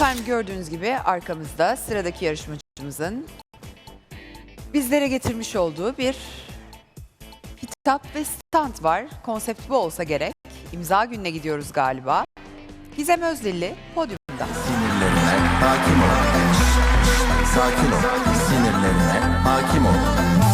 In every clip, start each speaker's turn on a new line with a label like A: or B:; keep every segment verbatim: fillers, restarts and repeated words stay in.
A: Efendim gördüğünüz gibi arkamızda sıradaki yarışmacımızın bizlere getirmiş olduğu bir kitap ve stand var. Konsept bu olsa gerek. İmza gününe gidiyoruz galiba. Gizem Özdilli podyumda.
B: Sinirlerine hakim ol. Sakin ol. Sinirlerine hakim ol.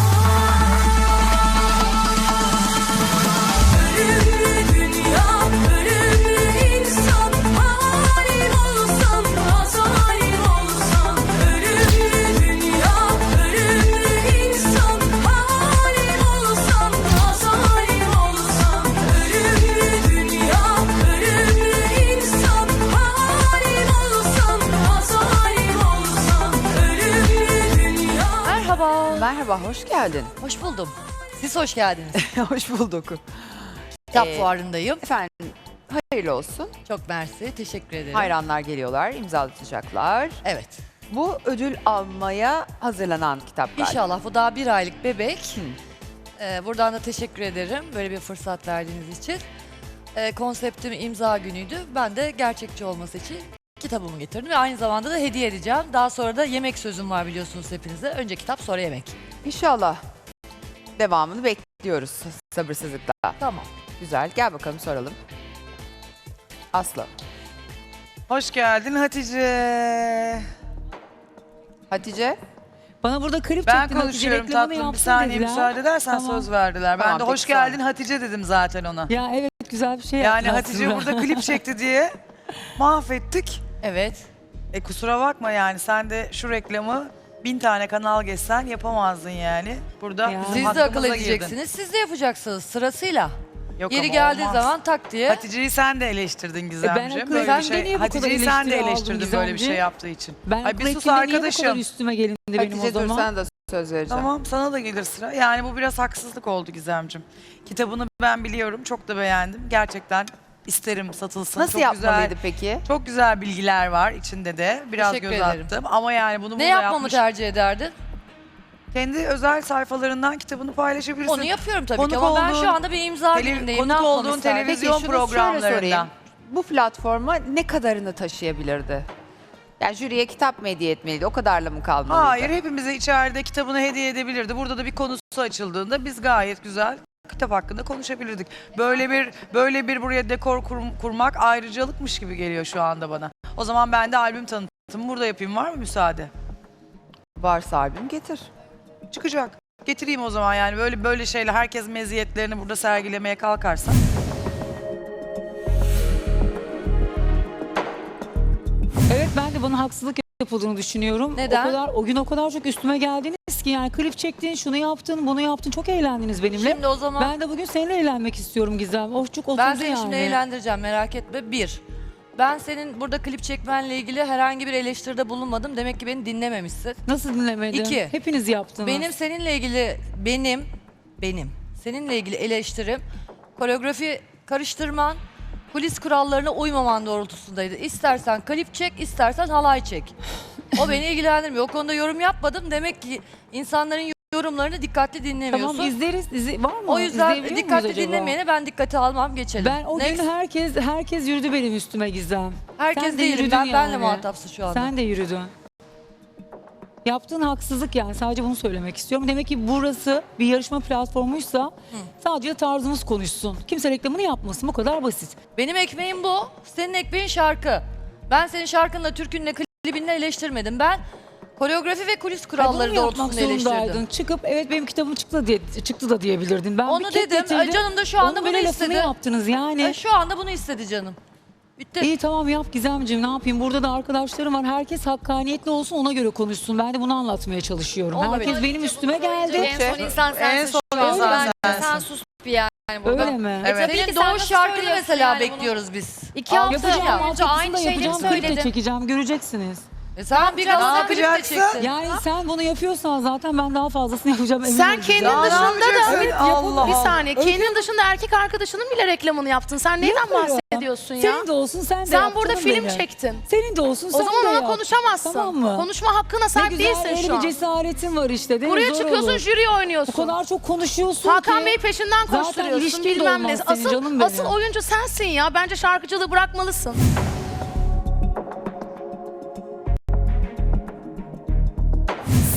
C: Ölümlü dünya, ölümlü insan, halim olsam, zalim olsam. Ölümlü dünya, ölümlü insan, halim olsam, zalim olsam. Ölümlü dünya, ölümlü insan, halim olsam, zalim olsam. Ölümlü dünya.
D: Merhaba.
A: Merhaba, hoş geldin.
D: Hoş buldum. Siz hoş geldiniz.
A: Hoş bulduk.
D: Kitap
A: Ee,
D: fuarındayım.
A: Efendim hayırlı olsun.
D: Çok mersi. Teşekkür ederim.
A: Hayranlar geliyorlar, imzalatacaklar.
D: Evet.
A: Bu ödül almaya hazırlanan kitap galiba.
D: İnşallah bu daha bir aylık bebek.
A: Hı.
D: Ee, buradan da teşekkür ederim böyle bir fırsat verdiğiniz için. Ee, konseptim imza günüydü. Ben de gerçekçi olması için kitabımı getirdim ve aynı zamanda da hediye edeceğim. Daha sonra da yemek sözüm var biliyorsunuz hepinize. Önce kitap sonra yemek.
A: İnşallah devamını bekliyoruz sabırsızlıkla.
D: Tamam.
A: Güzel, gel bakalım soralım. Aslı.
E: Hoş geldin Hatice.
A: Hatice.
F: Bana burada klip
E: Ben
F: çektin, Hatice
E: konuşuyorum
F: reklamını
E: tatlım. Bir
F: yapsın
E: saniye
F: dediler.
E: müsaade edersen
F: Tamam.
E: söz verdiler. Ben
A: Tamam,
E: de
A: peki,
E: hoş
A: sağ ol.
E: geldin Hatice dedim zaten ona.
F: Ya evet güzel bir şey
E: Yani
F: yaptılar
E: Hatice
F: aslında.
E: burada klip çekti diye mahvettik.
D: Evet.
E: E kusura bakma yani sen de şu reklamı bin tane kanal geçsen yapamazdın yani. Burada
F: Ya.
E: bizim
D: Siz de akıl
E: hakkımıza girdin.
D: edeceksiniz. Siz de yapacaksınız sırasıyla.
E: Yok
D: Yeri
E: ama
D: geldiği
E: olmaz.
D: zaman tak diye.
E: Hatice'yi sen de eleştirdin
F: E
E: Gizemciğim.
F: ben akıl-
E: böyle
F: sen
E: bir
F: de
E: şey.
F: niye bu kadar
E: Hatice'yi sen de
F: eleştiri aldın
E: eleştirdin böyle bir şey
F: Gizemciğim?
E: yaptığı için.
F: Ben
E: Ay bir sus
F: reklamda niye bu kadar
E: arkadaşım.
F: üstüme gelindi benim
A: Hatice
F: o
A: dur
F: zaman?
A: sana da söz vereceğim.
E: Tamam sana da gelir sıra. Yani bu biraz haksızlık oldu Gizemciğim. Kitabını ben biliyorum. Çok da beğendim. Gerçekten isterim satılsın.
A: Nasıl
E: çok
A: yapmalıydı
E: güzel,
A: peki?
E: Çok güzel bilgiler var içinde de. Biraz
D: Teşekkür
E: göz
D: ederim.
E: attım. Ama yani bunu
D: Ne
E: burada
D: yapmamı
E: yapmış.
D: tercih ederdin?
E: Kendi özel sayfalarından kitabını paylaşabilirsin.
D: Onu yapıyorum tabii
E: Konuk
D: ki ama ben
E: olduğun-
D: şu anda bir imza
E: Tele-
D: günündeyim.
E: konuk
D: Ne yapmamı
E: olduğun
D: isterdin?
E: televizyon
A: Peki şunu şöyle
E: programlarında.
A: sorayım. Bu platforma ne kadarını taşıyabilirdi? Yani jüriye kitap mı hediye etmeliydi? O kadarla mı kalmalıydı?
E: Hayır hepimize içeride kitabını hediye edebilirdi. Burada da bir konusu açıldığında biz gayet güzel kitap hakkında konuşabilirdik. Böyle bir böyle bir buraya dekor kur- kurmak ayrıcalıkmış gibi geliyor şu anda bana. O zaman ben de albüm tanıtımı burada yapayım. Var mı müsaade?
A: Varsa albüm getir.
E: Çıkacak. Getireyim o zaman yani böyle böyle şeyler herkes meziyetlerini burada sergilemeye kalkarsa.
F: Evet ben de bana haksızlık yapıldığını düşünüyorum.
D: Neden?
F: O kadar o gün o kadar çok üstüme geldiniz ki yani klip çektin, şunu yaptın, bunu yaptın. Çok eğlendiniz benimle.
D: Şimdi o zaman
F: Ben de bugün seninle eğlenmek istiyorum Gizem. O çok oturdu
D: ben seni
F: yani.
D: şimdi eğlendireceğim merak etme. Bir, ben senin burada klip çekmenle ilgili herhangi bir eleştiride bulunmadım. Demek ki beni dinlememişsin.
F: Nasıl dinlemedin?
D: İki.
F: Hepiniz yaptınız.
D: Benim seninle ilgili, benim, benim seninle ilgili eleştirim koreografi karıştırman, kulis kurallarına uymaman doğrultusundaydı. İstersen klip çek, istersen halay çek. O beni ilgilendirmiyor. O konuda yorum yapmadım. Demek ki insanların yorumlarını dikkatli dinlemiyorsun.
F: Tamam izleriz. Dizi, var mı?
D: O yüzden
F: İzleyebiliyor muyuz
D: dikkatli
F: acaba?
D: dinlemeyene ben dikkate almam, geçelim.
F: Ben o
D: Next.
F: gün herkes herkes yürüdü benim üstüme Gizem.
D: Herkes
F: Sen de
D: değilim.
F: yürüdün
D: Ben benle
F: yani.
D: muhatapsın şu anda.
F: Sen de yürüdün. Yaptığın haksızlık yani sadece bunu söylemek istiyorum. Demek ki burası bir yarışma platformuysa sadece tarzımız konuşsun. Kimse reklamını yapmasın, bu kadar basit.
D: Benim ekmeğim bu. Senin ekmeğin şarkı. Ben senin şarkınla, türkünle, klibinle eleştirmedim. Ben koreografi ve kulis
F: Ay,
D: kuralları
F: bunu mu yapmak
D: doğrultusunda
F: zorundaydın?
D: eleştirdim.
F: Çıkıp evet benim kitabım çıktı diye çıktı da diyebilirdin. Ben
D: Onu
F: bir kek
D: dedim.
F: getirdim.
D: Ay, canım da şu anda
F: Onun
D: bunu
F: böyle lafını
D: istedi.
F: yaptınız yani.
D: Ay, şu anda bunu istedi canım. Bitti.
F: İyi tamam yap Gizemciğim, ne yapayım, burada da arkadaşlarım var, herkes hakkaniyetli olsun, ona göre konuşsun. Ben de bunu anlatmaya çalışıyorum.
D: Olabilir.
F: Herkes benim üstüme geldi.
G: En son insan sensin.
E: En son
G: şu an.
E: insan
G: Bence
E: sensin.
G: sen sus bir yani burada.
F: Öyle mi?
E: Evet.
G: Tabii ki
D: Senin
G: sen
D: doğuş
G: nasıl
D: şarkını
G: söylüyorsun
D: mesela
G: yani bunu?
D: bekliyoruz biz.
G: İki hafta
F: Yapacağım,
G: önce
F: altyapısını
G: aynı
F: da
G: şeyleri
F: yapacağım, klip de
G: söyledin.
F: çekeceğim, göreceksiniz.
D: E sen bir Galata klip de
E: yapacaksın?
D: çektin.
F: Yani sen bunu yapıyorsan zaten ben daha fazlasını yapacağım. eminim
G: Sen
F: Gizem.
G: kendin dışında da
E: Evet, Allah
G: bir
E: Allah.
G: saniye kendin dışında erkek arkadaşının bile reklamını yaptın. Sen neyden
F: Yapıyorum.
G: bahsediyorsun ya?
F: Senin de olsun, sen de
G: Sen
F: yap
G: burada
F: canım
G: film
F: benim.
G: çektin.
F: Senin de olsun,
G: O
F: sen
G: zaman
F: de
G: ona
F: yap.
G: konuşamazsın.
F: Tamam mı?
G: Konuşma hakkına
F: Ne
G: sahip
F: güzel,
G: değilsin
F: öyle
G: şu
F: bir
G: an.
F: cesaretin var işte. değil mi?
G: Buraya
F: Zor
G: çıkıyorsun,
F: olur.
G: jüri oynuyorsun.
F: O kadar çok konuşuyorsun
G: Hakan
F: ki.
G: Bey peşinden
F: Zaten
G: koşturuyorsun
F: ilişkin de
G: bilmem
F: olmaz
G: ne.
F: senin,
G: Asıl,
F: canım benim.
G: asıl oyuncu sensin ya. Bence şarkıcılığı bırakmalısın.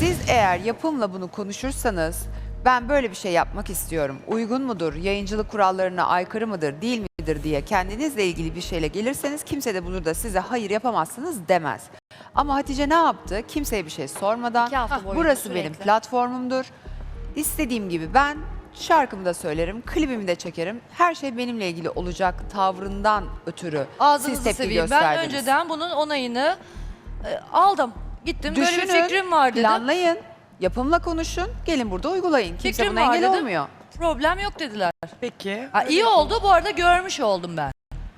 A: Siz eğer yapımla bunu konuşursanız ben böyle bir şey yapmak istiyorum. Uygun mudur? Yayıncılık kurallarına aykırı mıdır? Değil midir diye kendinizle ilgili bir şeyle gelirseniz kimse de bunu da size hayır yapamazsınız demez. Ama Hatice ne yaptı? Kimseye bir şey sormadan
H: İki hafta boyunca
A: burası
H: sürekli.
A: benim platformumdur. İstediğim gibi ben şarkımı da söylerim, klibimi de çekerim. Her şey benimle ilgili olacak tavrından ötürü siz
D: Ağzınızı
A: tepki
D: seveyim.
A: gösterdiniz.
D: Ben önceden bunun onayını e, aldım. Gittim böyle
A: Düşünün,
D: bir fikrim var dedim.
A: planlayın, yapımla konuşun, gelin burada uygulayın. Kimse
D: Fikrim
A: buna
D: var
A: engel
D: dedim.
A: olmuyor.
D: Problem yok dediler.
E: Peki.
D: Ha, iyi oldu bu arada görmüş oldum ben.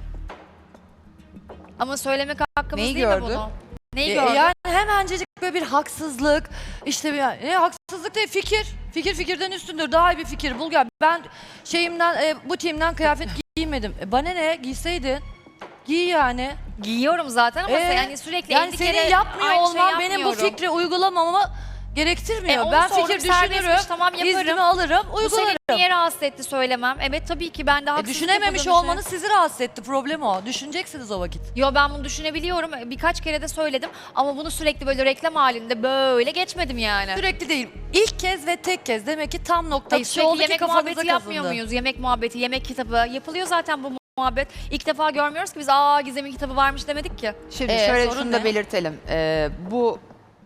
H: Ama söylemek hakkımız
A: Neyi
H: değil
A: gördün?
H: mi bunu? Neyi
D: E,
H: gördün?
D: yani hemencecik böyle bir haksızlık, işte bir, e, haksızlık değil fikir. Fikir fikirden üstündür. Daha iyi bir fikir bul gel. Ben şeyimden, e, bu timden kıyafet giymedim. E, bana ne? Giyseydin. Giy yani.
H: Giyiyorum zaten ama
D: Ee,
H: sen yani sürekli
D: Yani
H: elli
D: senin
H: kere
D: yapmıyor
H: aynı
D: olman
H: şey
D: benim bu
H: yapmıyorum.
D: fikri uygulamamı gerektirmiyor.
H: E, onu
D: ben
H: sordum,
D: fikir
H: serbestmiş,
D: düşünürüm,
H: tamam, yaparım.
D: iznimi alırım,
H: Bu seni
D: uygularım.
H: niye rahatsız etti söylemem? Evet tabii ki ben de
D: E,
H: haksızlık
D: düşünememiş
H: yapıldığını
D: olmanız sizi rahatsız etti. Problem o. Düşüneceksiniz o vakit.
H: Yo ben bunu düşünebiliyorum. Birkaç kere de söyledim ama bunu sürekli böyle reklam halinde böyle geçmedim yani.
D: Sürekli değil. İlk kez ve tek kez. Demek ki tam nokta
H: Hayır,
D: bir şey
H: sürekli
D: oldu ki
H: yemek
D: kafanıza
H: muhabbeti yapmıyor
D: kazındı.
H: muyuz? Yemek muhabbeti, yemek kitabı yapılıyor zaten bu muhabbet. İlk defa görmüyoruz ki biz aa Gizem'in kitabı varmış demedik ki.
A: Şimdi
H: Ee,
A: şöyle
H: sorun
A: şunu da
H: ne?
A: belirtelim. Ee, bu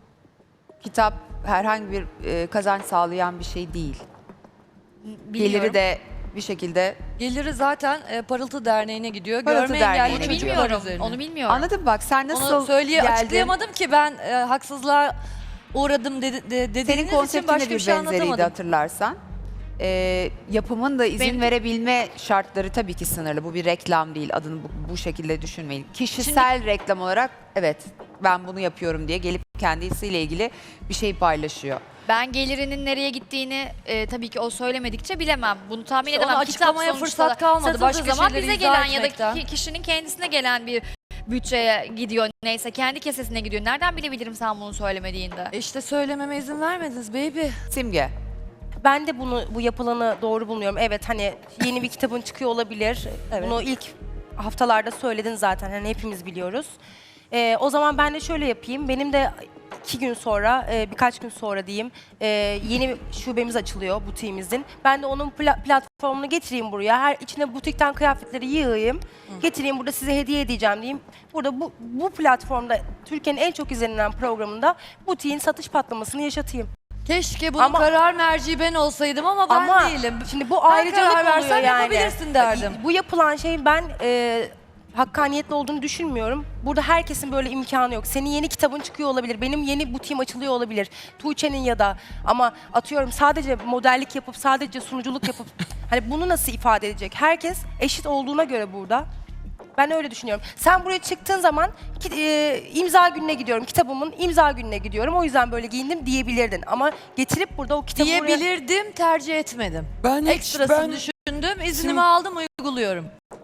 A: kitap herhangi bir e, kazanç sağlayan bir şey değil.
H: Biliyorum.
A: Geliri de bir şekilde
D: Geliri zaten e, Parıltı Derneği'ne gidiyor.
A: Parıltı
D: Görme
A: Derneği'ne
D: engelli
H: Onu
A: gidiyor.
D: çocuklar
H: bilmiyorum.
D: üzerine.
H: Onu bilmiyorum.
A: anladın mı? Bak sen nasıl
D: Onu söyleye
A: geldin?
D: açıklayamadım ki ben e, haksızlığa uğradım dedi, de, dediğiniz
A: Senin
D: için
A: konseptin de
D: başka bir
A: bir
D: şey
A: benzeriydi
D: anlatamadım.
A: hatırlarsan. Ee, yapımın da izin
H: Benim-
A: verebilme şartları tabii ki sınırlı. Bu bir reklam değil. Adını bu, bu şekilde düşünmeyin. Kişisel reklam olarak evet ben bunu yapıyorum diye gelip kendisiyle ilgili bir şey paylaşıyor.
H: Ben gelirinin nereye gittiğini e, tabii ki o söylemedikçe bilemem. Bunu tahmin
D: İşte onu
H: edemem.
D: açıklamaya
H: sonuçta
D: fırsat kalmadı.
H: satıldığı
D: Başka
H: zaman
D: şeyleri
H: bize
D: izah
H: gelen ya da
D: etmekten.
H: ki- kişinin kendisine gelen bir bütçeye gidiyor. Neyse kendi kesesine gidiyor. Nereden bilebilirim sen bunu söylemediğinde?
D: E İşte söylememe izin vermediniz baby.
A: Simge.
I: Ben de bunu bu yapılanı doğru bulmuyorum. Evet hani yeni bir kitabın çıkıyor olabilir. Bunu ilk haftalarda söyledin zaten. Hani hepimiz biliyoruz. Ee, o zaman ben de şöyle yapayım. Benim de iki gün sonra, e, birkaç gün sonra diyeyim, e, yeni şubemiz açılıyor butiğimizin. Ben de onun pla- platformunu getireyim buraya. Her içine butikten kıyafetleri yığayım. Getireyim burada size hediye edeceğim diyeyim. Burada bu, bu platformda Türkiye'nin en çok izlenilen programında butiğin satış patlamasını yaşatayım.
D: Keşke bunun
I: Ama-
D: karar merci ben olsaydım ama ben
I: Ama
D: değilim.
I: şimdi bu
D: Ben
I: ayrıcalık
D: karar
I: oluyor
D: versem
I: yani.
D: yapabilirsin derdim.
I: Bu yapılan şeyin ben e, hakkaniyetli olduğunu düşünmüyorum. Burada herkesin böyle imkanı yok. Senin yeni kitabın çıkıyor olabilir. Benim yeni butiğim açılıyor olabilir. Tuğçe'nin ya da ama atıyorum sadece modellik yapıp sadece sunuculuk yapıp hani bunu nasıl ifade edecek? Herkes eşit olduğuna göre burada. Ben öyle düşünüyorum. Sen buraya çıktığın zaman ki, e, imza gününe gidiyorum. Kitabımın imza gününe gidiyorum. O yüzden böyle giyindim diyebilirdin. Ama getirip burada o kitabı buraya...
D: Diyebilirdim, tercih etmedim.
J: Ben hiç
D: Ekstrasını
J: ben
D: düşündüm, iznimi
J: Sim-
D: aldım, uyguluyorum.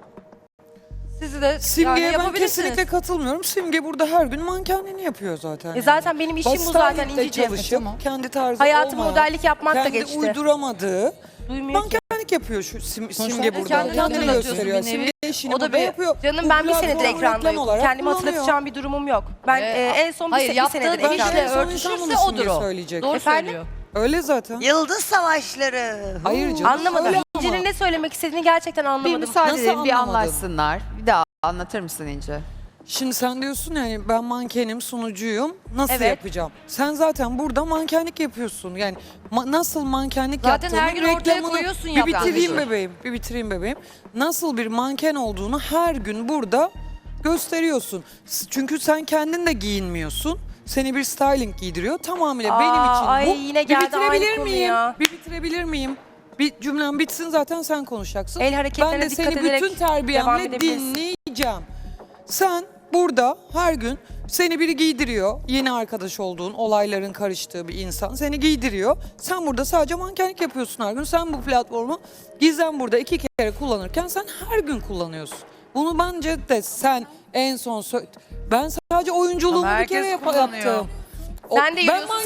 D: Sizi de
J: Simge'ye
D: yani
J: ben
D: yapabilirsiniz.
J: kesinlikle katılmıyorum. Simge burada her gün mankenliğini yapıyor zaten.
I: E
J: yani.
I: zaten benim işim bu zaten
J: Styling'de
I: İnciciğim.
J: çalışıp kendi tarzı
I: Hayatım
J: olmayan,
I: modellik yapmak da
J: kendi
I: geçti.
J: uyduramadığı
I: Duymuyor ki.
J: mankenlik yapıyor şu Sim, Simge
D: Kendini
J: burada. Kendini
D: hatırlatıyorsun
J: gösteriyor.
D: bir nevi.
J: Simge işini
D: O da
J: burada
D: bir-
J: yapıyor.
I: Canım
J: Bu
I: ben bir senedir
J: platformu reklam
I: ekrandayım.
J: olarak
I: Kendimi
J: kullanıyor.
I: hatırlatacağım bir durumum yok. Ben
D: Ee,
I: e, en son bir,
D: hayır,
I: se- bir
D: yaptığı
I: senedir
D: işle
I: ekrandayım.
J: En son insan
D: örtüşürse
J: bunu
D: odur
J: Simge
D: o.
J: söyleyecek.
D: Doğru
I: Efendim?
D: söylüyor.
J: Öyle zaten.
K: Yıldız Savaşları.
J: Hayır canım.
I: Anlamadım.
J: öyle ama.
I: İnci'nin ne söylemek istediğini gerçekten
A: Bir
I: anlamadım.
A: müsaade
J: Nasıl
A: edin bir
J: anlamadın?
A: anlaşsınlar. Bir daha anlatır mısın İnce?
J: Şimdi sen diyorsun yani ben mankenim, sunucuyum. Nasıl
I: Evet.
J: yapacağım? Sen zaten burada mankenlik yapıyorsun. Yani ma- nasıl mankenlik
D: Zaten
J: yaptığını
D: her gün ortaya
J: reklamını-
D: koyuyorsun
J: Bir
D: yaptığın
J: bitireyim
D: işi.
J: bebeğim. Bir bitireyim bebeğim. Nasıl bir manken olduğunu her gün burada gösteriyorsun. S- Çünkü sen kendin de giyinmiyorsun. Seni bir styling giydiriyor. Tamamıyla
I: Aa,
J: benim için
I: ay
J: bu.
I: yine
J: bir
I: geldi
J: bitirebilir
I: aynı konu
J: miyim?
I: ya.
J: Bir bitirebilir miyim? Bir cümlem bitsin zaten sen konuşacaksın.
I: El
J: Ben
I: hareketlerine
J: de
I: dikkat
J: seni
I: ederek
J: bütün
I: devam
J: terbiyemle
I: edebilirsin.
J: dinleyeceğim. Sen burada her gün seni biri giydiriyor. Yeni arkadaş olduğun, olayların karıştığı bir insan seni giydiriyor. Sen burada sadece mankenlik yapıyorsun her gün. Sen bu platformu Gizem burada iki kere kullanırken sen her gün kullanıyorsun. Bunu bence de sen en son sö- ben sadece oyunculuğumu
E: Ama
J: bir kere
E: herkes
J: yap-
E: kullanıyor.
J: yaptım. O-
I: Sen de
J: ben
I: yürüyorsun.
J: manken
I: Sen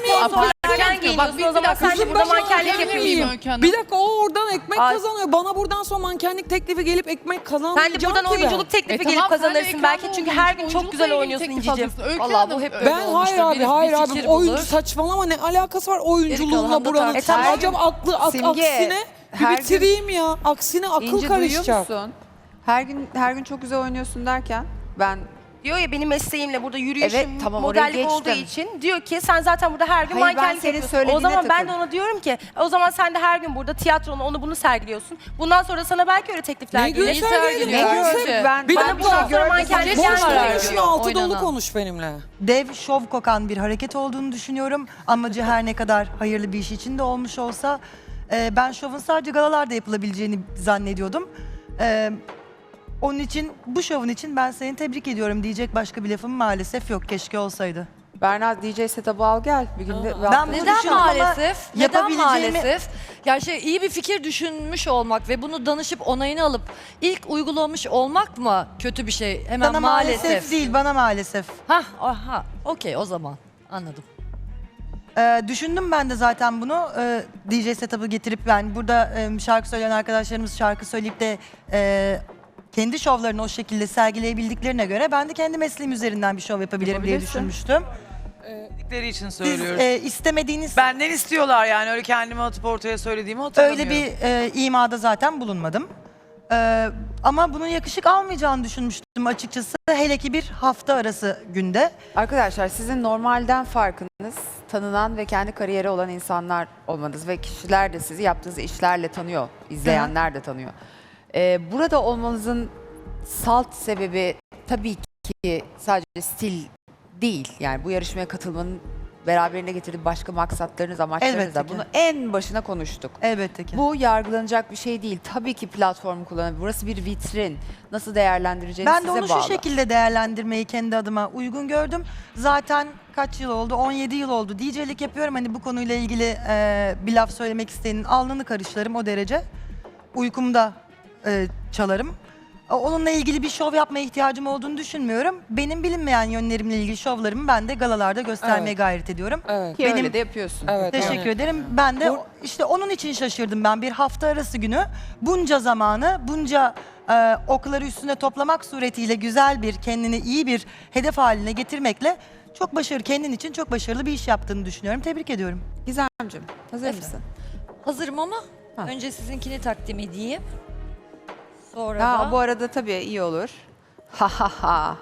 J: miyim?
I: Erken giyiniyorsun o zaman sen de burada mankenlik yapıyorsun.
J: Bir dakika o oradan ekmek
I: Ay.
J: kazanıyor. Bana buradan sonra mankenlik teklifi gelip ekmek kazanmayacağım
I: Sen de buradan
J: ki ben.
I: oyunculuk teklifi gelip kazanırsın belki çünkü her gün çok güzel oynuyorsun İnci'cim.
D: Vallahi bu hep böyle
J: Ben
D: olmuştur.
J: hayır abi
D: Birisi
J: hayır
D: bir
J: abi
D: fikir
J: oyuncu
D: bulur.
J: saçmalama ne alakası var
D: Geri
J: oyunculuğumla
D: kalan da
J: buranın.
D: tartışılır.
J: E tamam acaba aklı ak-
A: Simge,
J: aksine bir
A: her gün-
J: bitireyim ya. Aksine akıl
A: İnci
J: karışacak.
A: duyuyor musun? Her gün her gün çok güzel oynuyorsun derken ben
I: Diyor ya benim mesleğimle burada yürüyüşüm
A: Evet, tamam, oraya
I: modellik olduğu
A: geçtim.
I: için diyor ki sen zaten burada her gün
A: Hayır, ben
I: mankenlik
A: senin
I: yapıyorsun. O
A: söylediğine
I: zaman ben de
A: takıldım.
I: ona diyorum ki o zaman sen de her gün burada tiyatronu onu bunu sergiliyorsun. Bundan sonra sana belki öyle teklifler
J: Ne
I: gelir.
J: gün
D: sergiliyor?
J: sergiliyor?
D: Ne
J: konsept-
D: görüntü?
A: ben
J: Bir
I: Bana
J: dakika.
I: bundan sonra mankenlik
J: Boş
I: gelmiyor.
J: konuşma altı dolu
D: Oynanan.
J: konuş benimle.
L: Dev şov kokan bir hareket olduğunu düşünüyorum. Amacı her ne kadar hayırlı bir iş için de olmuş olsa e, ben şovun sadece galalarda yapılabileceğini zannediyordum. E, onun için bu şovun için ben seni tebrik ediyorum diyecek başka bir lafım maalesef yok. Keşke olsaydı.
A: Berna D J setup'ı al gel. Bir gün de
L: Ben bunu
D: Neden
L: düşündüm ama
D: maalesef? Neden
L: yapabileceğimi-
D: maalesef? Yani şey iyi bir fikir düşünmüş olmak ve bunu danışıp onayını alıp ilk uygulamış olmak mı kötü bir şey? Hemen
L: Sana maalesef. değil, bana maalesef.
D: Hah, aha, okey o zaman anladım.
L: Ee, düşündüm ben de zaten bunu. Ee, D J setup'ı getirip yani burada e, şarkı söyleyen arkadaşlarımız şarkı söyleyip de e, kendi şovlarını o şekilde sergileyebildiklerine göre ben de kendi mesleğim üzerinden bir şov yapabilirim diye
A: Yapabilirsin.
L: düşünmüştüm.
E: Dedikleri için
L: Siz
E: söylüyorum.
L: e, istemediğiniz
E: Benden istiyorlar yani öyle kendimi atıp ortaya söylediğimi hatırlamıyorum.
L: öyle bir e, imada zaten bulunmadım. Ee, ama bunun yakışık almayacağını düşünmüştüm açıkçası. Hele ki bir hafta arası günde.
A: Arkadaşlar sizin normalden farkınız tanınan ve kendi kariyeri olan insanlar olmanız ve kişiler de sizi yaptığınız işlerle tanıyor, izleyenler de tanıyor. Ee, burada olmanızın salt sebebi tabii ki sadece stil değil. Yani bu yarışmaya katılmanın beraberinde getirdiği başka maksatlarınız, amaçlarınız
L: Elbette
A: da.
L: ki.
A: Bunu en başına konuştuk.
L: Elbette ki.
A: Bu yargılanacak bir şey değil. Tabii ki platformu kullanabilir. Burası bir vitrin. Nasıl değerlendireceğiniz
L: Ben de
A: size
L: onu
A: bağlı.
L: şu şekilde değerlendirmeyi kendi adıma uygun gördüm. Zaten kaç yıl oldu? on yedi yıl oldu. D J'lik yapıyorum. Hani bu konuyla ilgili e, bir laf söylemek isteyenin alnını karışlarım o derece. Uykumda e, çalarım. O- Onunla ilgili bir şov yapmaya ihtiyacım olduğunu düşünmüyorum. Benim bilinmeyen yönlerimle ilgili şovlarımı ben de galalarda göstermeye
J: Evet.
L: gayret ediyorum.
J: Evet.
A: Ki
L: Benim-
A: öyle de yapıyorsun.
J: Evet.
L: Teşekkür
J: yani.
L: ederim. Ben de
J: Bu-
L: o- işte onun için şaşırdım ben. Bir hafta arası günü bunca zamanı, bunca e, okları üstüne toplamak suretiyle güzel bir, kendini iyi bir hedef haline getirmekle çok başarılı, kendin için çok başarılı bir iş yaptığını düşünüyorum. Tebrik ediyorum.
A: Gizemciğim hazır
D: Efendim?
A: mısın?
D: Hazırım ama
A: Ha.
D: önce sizinkini takdim edeyim. Sonra
A: Ha,
D: da...
A: bu arada tabii iyi olur. Ha ha ha.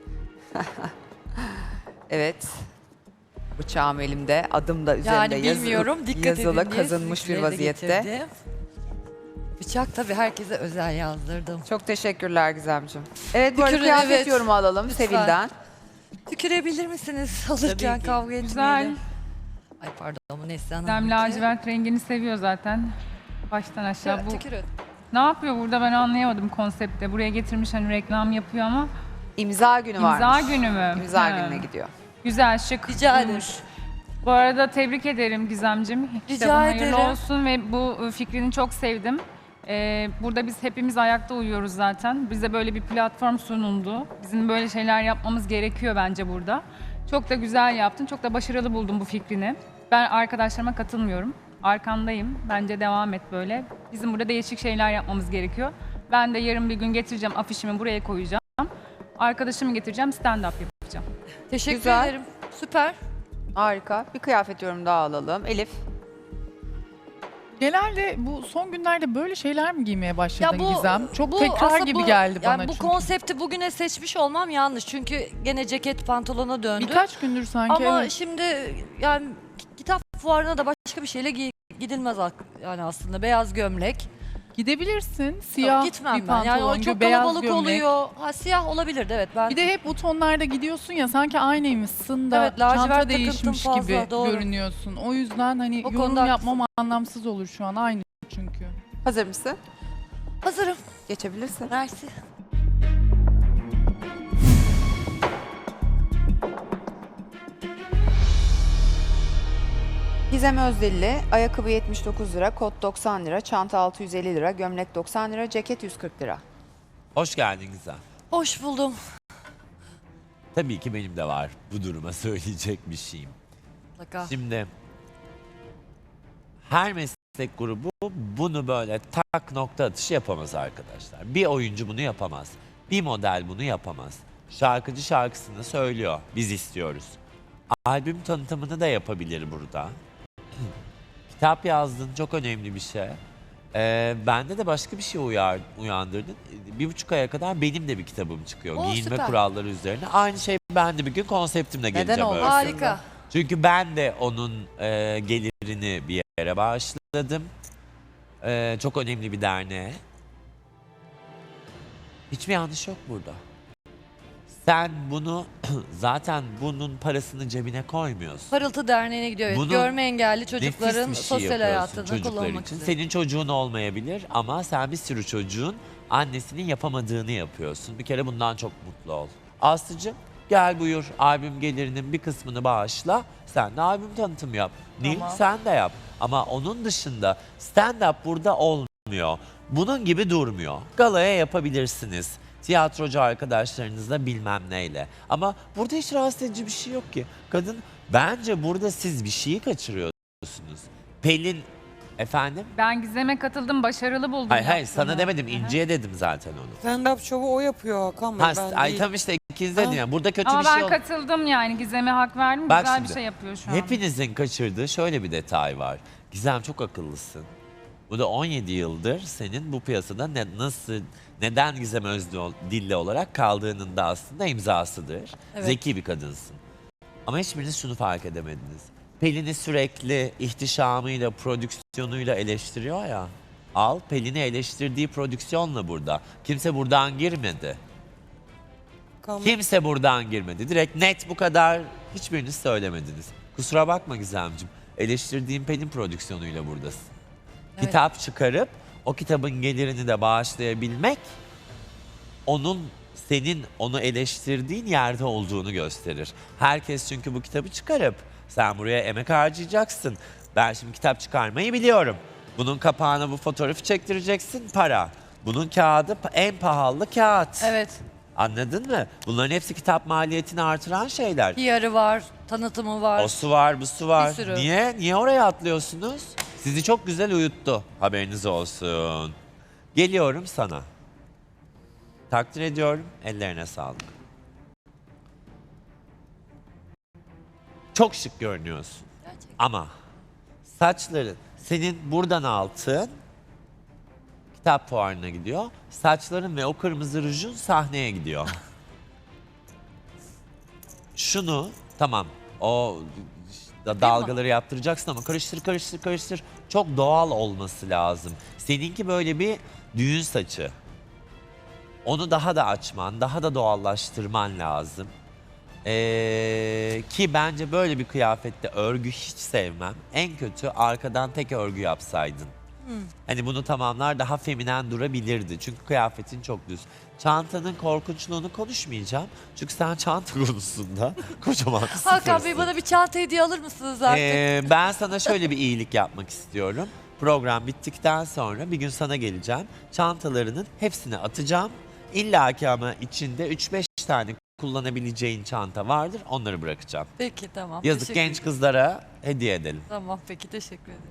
A: Evet. Bıçağım elimde, adım da üzerinde
D: Yani
A: yazılı,
D: bilmiyorum dikkat
A: yazılı
D: edin diye
A: kazınmış bir
D: sizinkileri de
A: vaziyette.
D: getirdim. Bıçak tabii herkese özel yazdırdım.
A: Çok teşekkürler Gizemciğim. Evet bu arada
D: Tükürün,
A: kıyafet
D: evet.
A: yorumu alalım
D: Lütfen.
A: Sevil'den.
D: Tükerebilir misiniz alırken
E: ki.
D: kavga etmeyelim.
M: Güzel.
D: Ay pardon ama Neslihan
M: Dem
D: Hanım.
M: lacivert rengini seviyor zaten. Baştan aşağı
D: Ya,
M: bu.
D: tükürün.
M: Ne yapıyor burada ben anlayamadım konsepte. Buraya getirmiş hani reklam yapıyor ama
A: İmza günü
M: imza
A: varmış.
M: günü mü?
A: İmza
M: Ha.
A: gününe gidiyor.
M: Güzel şık.
D: Rica ederim.
M: durmuş. Bu arada tebrik ederim Gizemcim.
D: Rica
M: İşte hayırlı
D: ederim.
M: olsun ve bu fikrini çok sevdim. Ee, burada biz hepimiz ayakta uyuyoruz zaten. Bize böyle bir platform sunuldu. Bizim böyle şeyler yapmamız gerekiyor bence burada. Çok da güzel yaptın. Çok da başarılı buldum bu fikrini. Ben arkadaşlarıma katılmıyorum. Arkandayım. Bence devam et böyle. Bizim burada değişik şeyler yapmamız gerekiyor. Ben de yarın bir gün getireceğim afişimi buraya koyacağım. Arkadaşımı getireceğim stand-up yapacağım.
D: Teşekkür
A: Güzel.
D: ederim. Süper.
A: Harika. Bir kıyafet yorumu daha alalım. Elif.
N: Genelde bu son günlerde böyle şeyler mi giymeye başladın
D: Ya bu-
N: Gizem? Çok
D: bu
N: tekrar
D: aslında
N: gibi
D: bu-
N: geldi
D: yani
N: bana
D: bu
N: çünkü.
D: konsepti bugüne seçmiş olmam yanlış. Çünkü gene ceket pantolona döndü.
N: Birkaç gündür sanki.
D: Ama
N: evet.
D: şimdi yani kitap fuarına da başka bir şeyle gi- gidilmez ak- yani aslında beyaz gömlek.
N: Gidebilirsin. Siyah
D: Yok, gitmem
N: bir
D: ben.
N: pantolon,
D: Yani o çok
N: beyaz
D: kalabalık
N: gömlek.
D: oluyor. Ha, siyah olabilirdi evet. Ben
N: Bir de hep bu tonlarda gidiyorsun ya sanki aynıymışsın da
D: Evet, lacivert
N: çanta
D: takıntım
N: değişmiş
D: fazla,
N: gibi
D: doğru.
N: görünüyorsun. O yüzden hani
D: O
N: yorum
D: konuda
N: yapmam anlamsız olur şu an aynı çünkü.
A: Hazır mısın?
D: hazırım.
A: Geçebilirsin.
D: Mersi.
A: Gizem Özdilli, ayakkabı yetmiş dokuz lira, kot doksan lira, çanta altı yüz elli lira, gömlek doksan lira, ceket yüz kırk lira.
O: Hoş geldin Gizem.
D: Hoş buldum.
O: Tabii ki benim de var bu duruma söyleyecek bir şeyim.
D: Mutlaka.
O: Şimdi her meslek grubu bunu böyle tak nokta atışı yapamaz arkadaşlar. Bir oyuncu bunu yapamaz. Bir model bunu yapamaz. Şarkıcı şarkısını söylüyor. Biz istiyoruz. Albüm tanıtımını da yapabilir burada. Kitap yazdın, çok önemli bir şey. Ee, bende de başka bir şey uyar, uyandırdın. Bir buçuk aya kadar benim de bir kitabım çıkıyor.
D: Oo,
O: Giyinme
D: süper.
O: kuralları üzerine. Aynı şey ben de bir gün konseptimle geleceğim.
A: olmasın?
O: öyle.
D: Harika.
O: Çünkü ben de onun e, gelirini bir yere bağışladım. E, çok önemli bir derneğe. Hiçbir yanlış yok burada. Sen bunu zaten bunun parasını cebine koymuyorsun.
D: Parıltı Derneği'ne gidiyor. Evet.
O: Bunun
D: Görme engelli çocukların
O: Nefis bir şey
D: sosyal
O: yapıyorsun
D: hayatını
O: çocuklar
D: kullanmak
O: için.
D: üzere.
O: Senin çocuğun olmayabilir ama sen bir sürü çocuğun annesinin yapamadığını yapıyorsun. Bir kere bundan çok mutlu ol. Aslıcığım gel buyur, albüm gelirinin bir kısmını bağışla. Sen de albüm tanıtımı yap. Nil
D: Tamam.
O: sen de yap. Ama onun dışında stand-up burada olmuyor. Bunun gibi durmuyor. Galaya yapabilirsiniz. Tiyatrocu arkadaşlarınızla bilmem neyle. Ama burada hiç rahatsız edici bir şey yok ki. Kadın, bence burada siz bir şeyi kaçırıyorsunuz. Pelin, efendim?
M: Ben Gizem'e katıldım, başarılı buldum.
O: Hayır hayır
M: yaptığını.
O: sana demedim, İnci'ye dedim zaten onu.
J: Stand-up şovu o yapıyor Hakan Bey.
O: Ha,
J: ben
O: ay
J: değil.
O: tam işte ikiniz dedin ya. Burada kötü
M: Ama
O: bir şey
M: ben
O: yok.
M: katıldım yani. Gizem'e hak verdim.
O: Bak
M: Güzel
O: şimdi,
M: bir şey yapıyor şu an.
O: Hepinizin kaçırdığı şöyle bir detay var. Gizem çok akıllısın. Bu da on yedi yıldır senin bu piyasada ne, nasıl, neden Gizem Özdilli olarak kaldığının da aslında imzasıdır.
D: Evet.
O: Zeki bir kadınsın. Ama hiçbiriniz şunu fark edemediniz. Pelin'i sürekli ihtişamıyla, prodüksiyonuyla eleştiriyor ya. Al, Pelin'i eleştirdiği prodüksiyonla burada. Kimse buradan girmedi.
J: Hakan Bey.
O: Kimse buradan girmedi. Direkt net bu kadar hiçbiriniz söylemediniz. Kusura bakma Gizemciğim. Eleştirdiğim Pelin prodüksiyonuyla buradasın.
D: Evet.
O: Kitap çıkarıp o kitabın gelirini de bağışlayabilmek onun senin onu eleştirdiğin yerde olduğunu gösterir. Herkes çünkü bu kitabı çıkarıp sen buraya emek harcayacaksın. Ben şimdi kitap çıkarmayı biliyorum. Bunun kapağına bu fotoğrafı çektireceksin, para. Bunun kağıdı pa- en pahalı kağıt.
D: Evet.
O: Anladın mı? Bunların hepsi kitap maliyetini artıran şeyler.
D: P R'ı var, tanıtımı var.
O: O su var, bu su var.
D: Bir sürü.
O: Niye? Niye oraya atlıyorsunuz? Sizi çok güzel uyuttu. Haberiniz olsun. Geliyorum sana. Takdir ediyorum. Ellerine sağlık. Çok şık görünüyorsun.
D: Gerçekten.
O: Ama saçların, senin buradan altın kitap fuarına gidiyor. Saçların ve o kırmızı rujun sahneye gidiyor. Şunu tamam o da dalgaları yaptıracaksın ama karıştır karıştır karıştır. Çok doğal olması lazım. Seninki böyle bir düğün saçı. Onu daha da açman, daha da doğallaştırman lazım. Ee, ki bence böyle bir kıyafette örgü hiç sevmem. En kötü arkadan tek örgü yapsaydın. Hani bunu tamamlar daha feminen durabilirdi. Çünkü kıyafetin çok düz. Çantanın korkunçluğunu konuşmayacağım. Çünkü sen çanta konusunda kocaman
D: Hakan Bey
O: sıfırsın.
D: bana bir çanta hediye alır mısınız artık?
O: Ee, ben sana şöyle bir iyilik yapmak istiyorum. Program bittikten sonra bir gün sana geleceğim. Çantalarının hepsini atacağım. İlla ki ama içinde üç beş tane kullanabileceğin çanta vardır. Onları bırakacağım.
D: Peki tamam.
O: Yazık
D: teşekkür
O: genç
D: ederim.
O: kızlara hediye edelim.
D: Tamam peki teşekkür ederim.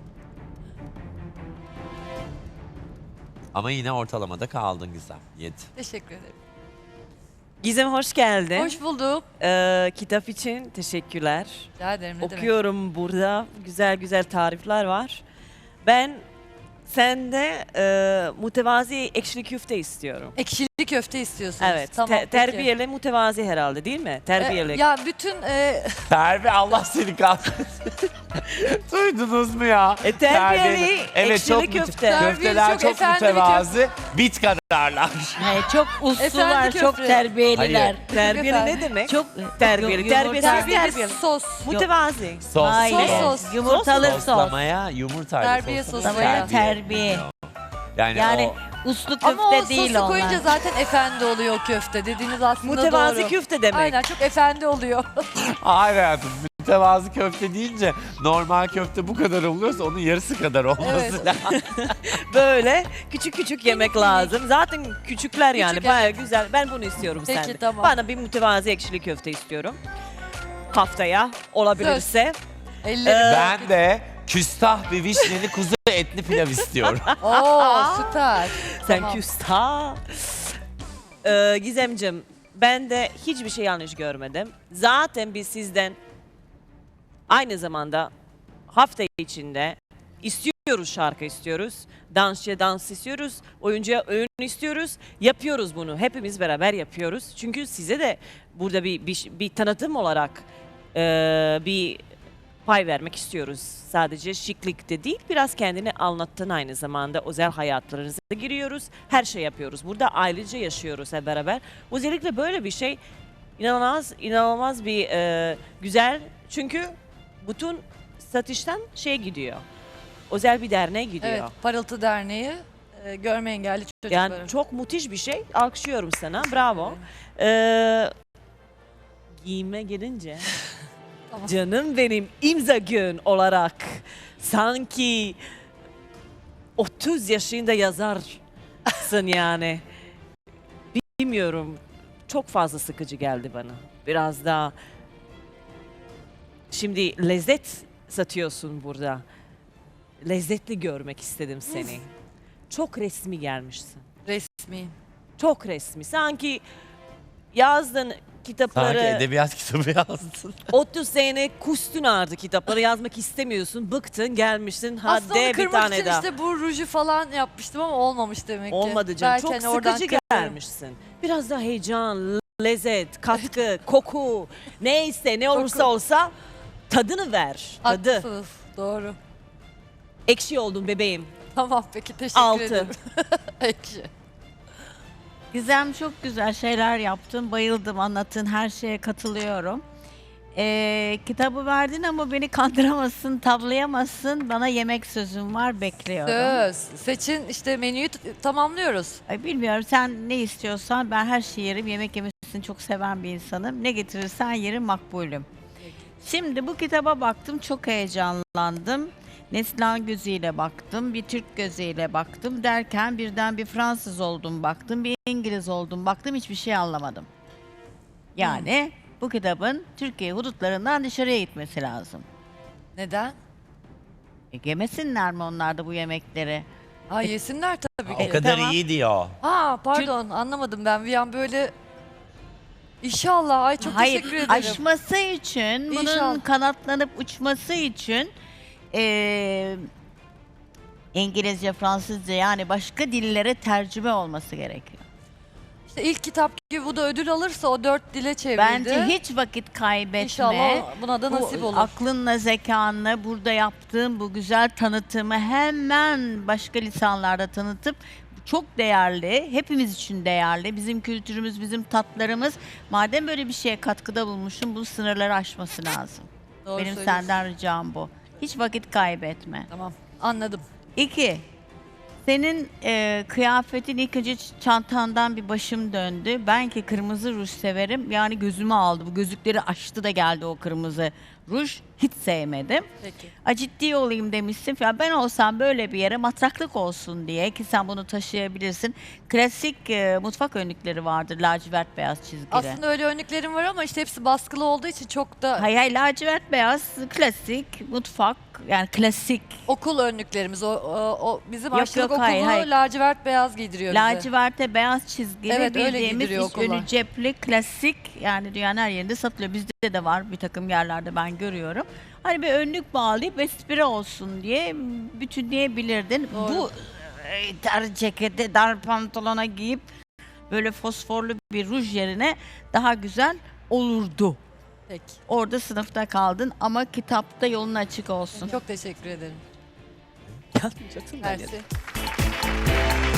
O: Ama yine ortalamada kaldın Gizem. yedi.
D: Teşekkür ederim.
K: Gizem hoş geldin.
D: Hoş bulduk.
K: Ee, kitap için teşekkürler.
D: Rica ederim ne demek.
K: Okuyorum burada. Güzel güzel tarifler var. Ben sende e, mütevazi ekşili köfte istiyorum.
D: Ekşili köfte istiyorsunuz.
K: Evet.
D: Tamam,
K: te-
D: peki.
K: terbiyeli mütevazi herhalde değil mi? Terbiyeli.
D: Ee, ya bütün e,
O: Terbi Allah seni kahretsin. Duydunuz mu ya?
K: E, terbiyeli
O: Evet
K: ekşili
O: çok müte-
K: köfte.
O: Köfteler
D: Terbiyeli, çok
O: çok
D: efendi bir
O: mütevazi. Bit kadarlar.
G: çok uslular,
D: Efendi
G: çok
D: köfte.
G: terbiyeliler.
O: Hayır.
K: Terbiyeli
D: Efendim?
K: ne demek?
G: Çok
K: Terbiyeli.
G: Yumurta-
K: Terbiyesiz
D: terbiyeli
K: terbiyeli.
D: sos.
K: Mütevazi.
O: Sos.
G: Hayır.
D: Sos, sos.
G: Yumurtalı sos.
O: Soslamaya yumurtayla
D: Terbiye
O: soslamaya
D: sosu ya.
G: Terbiye.
O: Yani,
G: Yani
O: o
G: uslu köfte
D: Ama o
G: değil
D: sosu
G: onlar.
D: koyunca zaten efendi oluyor o köfte. Dediğiniz aslında
K: Mütevazi
D: doğru.
K: köfte demek.
D: Aynen çok efendi oluyor.
O: hayır hayatım. Mütevazı köfte deyince normal köfte bu kadar oluyorsa onun yarısı kadar olması
D: Evet.
O: lazım.
K: Böyle küçük küçük yemek lazım. Zaten küçükler yani
D: Küçük,
K: bayağı güzel. Ben bunu istiyorum
D: Peki,
K: senden.
D: tamam.
K: Bana bir mütevazi ekşili köfte istiyorum. Haftaya olabilirse.
D: Ellerim.
O: Ben de küstah bir vişneli kuzu etli pilav istiyorum.
D: Oo süper.
K: Sen
D: Tamam.
K: küstah. Ee, Gizemcim, ben de hiçbir şey yanlış görmedim. Zaten biz sizden aynı zamanda hafta içinde istiyoruz, şarkı istiyoruz, dansçıya dans istiyoruz, oyuncuya oyun istiyoruz. Yapıyoruz bunu. Hepimiz beraber yapıyoruz. Çünkü size de burada bir bir, bir tanıtım olarak e, bir pay vermek istiyoruz. Sadece şıklıkta değil, biraz kendini anlattın aynı zamanda. Özel hayatlarınıza giriyoruz. Her şey yapıyoruz. Burada ailece yaşıyoruz hep beraber. Özellikle böyle bir şey inanılmaz, inanılmaz bir e, güzel. Çünkü bütün satıştan şey gidiyor. Özel bir derneğe gidiyor.
D: Evet, Parıltı Derneği e, görme engelli çocukların.
K: Yani çok müthiş bir şey. Alkışlıyorum sana. Bravo. Ee, giyime gelince
D: Tamam.
K: canım benim imza gün olarak sanki otuz yaşında yazarsın yani. Bilmiyorum. Çok fazla sıkıcı geldi bana. Biraz daha şimdi lezzet satıyorsun burada. Lezzetli görmek istedim seni. Çok resmi gelmişsin.
D: Resmi.
K: Çok resmi. Sanki yazdın kitapları.
O: Sanki edebiyat kitabı yazdın.
K: otuz sene kustun artık kitapları yazmak istemiyorsun. Bıktın gelmişsin. Hadi
D: Aslında onu
K: bir
D: kırmak
K: tane
D: için
K: daha.
D: işte bu ruju falan yapmıştım ama olmamış demek ki.
K: Olmadı canım.
D: Belki
K: Çok
D: hani oradan
K: sıkıcı
D: kırarım.
K: gelmişsin. Biraz daha heyecan, lezzet, katkı, koku. Neyse ne olursa olsa tadını ver. Tadı.
D: Haklısınız. Doğru.
K: Ekşi oldun bebeğim.
D: Tamam peki teşekkür
K: Altı.
D: ederim. Ekşi.
P: Gizem çok güzel şeyler yaptın. Bayıldım, anlattığın her şeye katılıyorum. Ee, kitabı verdin ama beni kandıramazsın, tavlayamazsın. Bana yemek sözüm var, bekliyorum.
D: Söz. Seçin işte menüyü t- tamamlıyoruz.
P: Ay, bilmiyorum, sen ne istiyorsan ben her şeyi yerim. Yemek yemesini çok seven bir insanım. Ne getirirsen yerim, makbulüm. Şimdi bu kitaba baktım, çok heyecanlandım. Neslihan gözüyle baktım, bir Türk gözüyle baktım derken birden bir Fransız oldum baktım, bir İngiliz oldum baktım, hiçbir şey anlamadım. Yani bu kitabın Türkiye hudutlarından dışarıya gitmesi lazım.
D: Neden?
P: E, yemesinler mi onlar da bu yemekleri?
D: Ha yesinler tabii ki.
O: O kadar
P: tamam.
O: iyi diyor.
D: Ha pardon anlamadım ben bir an böyle İnşallah. Ay çok
P: Hayır,
D: teşekkür ederim.
P: aşması için, bunun
D: İnşallah.
P: kanatlanıp uçması için e, İngilizce, Fransızca yani başka dillere tercüme olması gerekiyor.
D: İşte ilk kitap gibi bu da ödül alırsa o dört dile çevrildi.
P: Bence hiç vakit kaybetme.
D: İnşallah buna da
P: Bu
D: nasip olur.
P: aklınla, zekanla burada yaptığım bu güzel tanıtımı hemen başka lisanlarda tanıtıp çok değerli, hepimiz için değerli. Bizim kültürümüz, bizim tatlarımız. Madem böyle bir şeye katkıda bulmuşum, bu sınırları aşması lazım.
D: Doğru
P: Benim
D: söylüyorsun.
P: senden ricam bu. Hiç vakit kaybetme.
D: Tamam anladım.
P: İki, senin e, kıyafetin ilk önce ç- çantandan bir başım döndü. Ben ki kırmızı ruj severim. Yani gözümü aldı. Bu gözlükleri açtı da geldi o kırmızı ruj. Hiç sevmedim.
D: Peki.
P: A, ciddi olayım demişsin. Ya ben olsam böyle bir yere matraklık olsun diye ki sen bunu taşıyabilirsin. Klasik e, mutfak önlükleri vardır. Lacivert beyaz çizgili.
D: Aslında öyle örneklerim var ama işte hepsi baskılı olduğu için çok da
P: Hayır, hayır, lacivert beyaz klasik mutfak yani klasik.
D: okul önlüklerimiz o, o, o bizim
P: Yok,
D: aşçılık
P: yok,
D: okulu
P: hayır, hayır.
D: lacivert beyaz giydiriyor bize.
P: Laciverte beyaz çizgili
D: Evet, öyle
P: bildiğimiz
D: giydiriyor
P: iç
D: okullar.
P: önü cepli klasik yani dünyanın her yerinde satılıyor. Bizde de var bir takım yerlerde ben görüyorum. Hani bir önlük bağlayıp espri olsun diye bütünleyebilirdin.
D: Doğru.
P: Bu e, dar ceketi, dar pantolona giyip böyle fosforlu bir ruj yerine daha güzel olurdu.
D: Peki.
P: Orada sınıfta kaldın ama kitapta yolun açık olsun.
D: Çok teşekkür ederim.
K: Canım,
D: Mersi.